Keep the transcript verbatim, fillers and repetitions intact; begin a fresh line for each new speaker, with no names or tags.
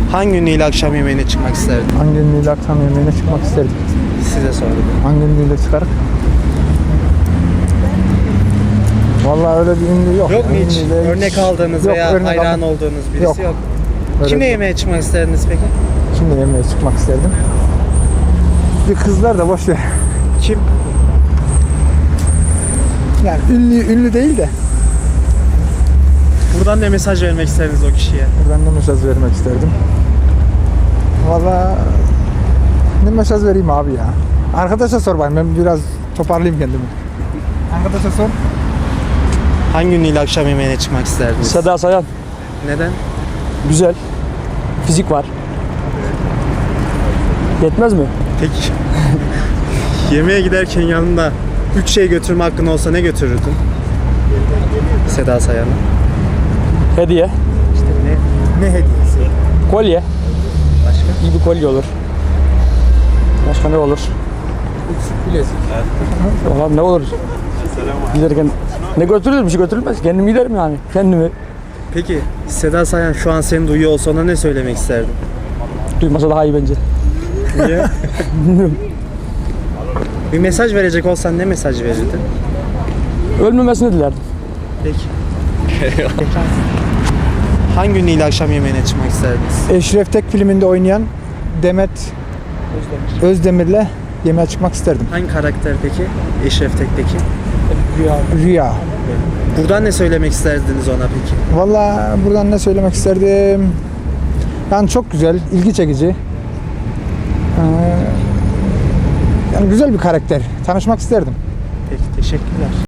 Hangi ünlüyle akşam yemeğine çıkmak isterdin?
Hangi ünlüyle akşam yemeğine çıkmak isterdim?
Size sordum.
Hangi ünlüyle çıkarık? Vallahi öyle bir ünlü yok.
Yok mu hiç
Ünlüyle
örnek aldığınız
Yok,
veya
örnek
hayran
aldım.
olduğunuz birisi yok?
Yok. Öyle
Kimle
bir-
yemeğe çıkmak isterdiniz peki?
Kimle yemeğe çıkmak isterdim? Bir kızlar da boş ver.
Kim?
Yani ünlü ünlü değil de
Buradan ne mesaj vermek isterdiniz o kişiye?
buradan ne mesaj vermek isterdim? Vallahi ne mesaj vereyim abi ya? Arkadaşa sor bakayım, ben biraz toparlayayım kendimi. Arkadaşa sor.
Hangi ünlüyle akşam yemeğine çıkmak isterdiniz?
Seda Sayan.
Neden?
Güzel. Fizik var. Yetmez mi?
Peki. Yemeğe giderken yanında üç şey götürme hakkın olsa ne götürürdün? Seda Sayan'a.
Hediye.
Ne, ne hediyesi?
Kolye.
Başka?
İyi bir kolye olur. Başka ne olur?
Bilezik.
Valla ne olur? Giderken ne götürülür? Bir şey götürülmez. Kendim giderim yani. Kendimi.
Peki Seda Sayan şu an seni duyuyor olsa ona ne söylemek isterdin?
Duymasa daha iyi bence.
Niye? Bir mesaj verecek olsan ne mesaj verirdin?
Ölmemesini dilerdim.
Peki. Hangi ünlüyle akşam yemeğine çıkmak isterdiniz?
Eşref Tek filminde oynayan Demet Özdemir'le yemeğe çıkmak isterdim.
Hangi karakter peki? Eşref Tek'teki.
Rüya.
Buradan ne söylemek isterdiniz ona peki?
Vallahi buradan ne söylemek isterdim? Yani çok güzel, ilgi çekici. Ee, yani güzel bir karakter. Tanışmak isterdim.
Peki teşekkürler.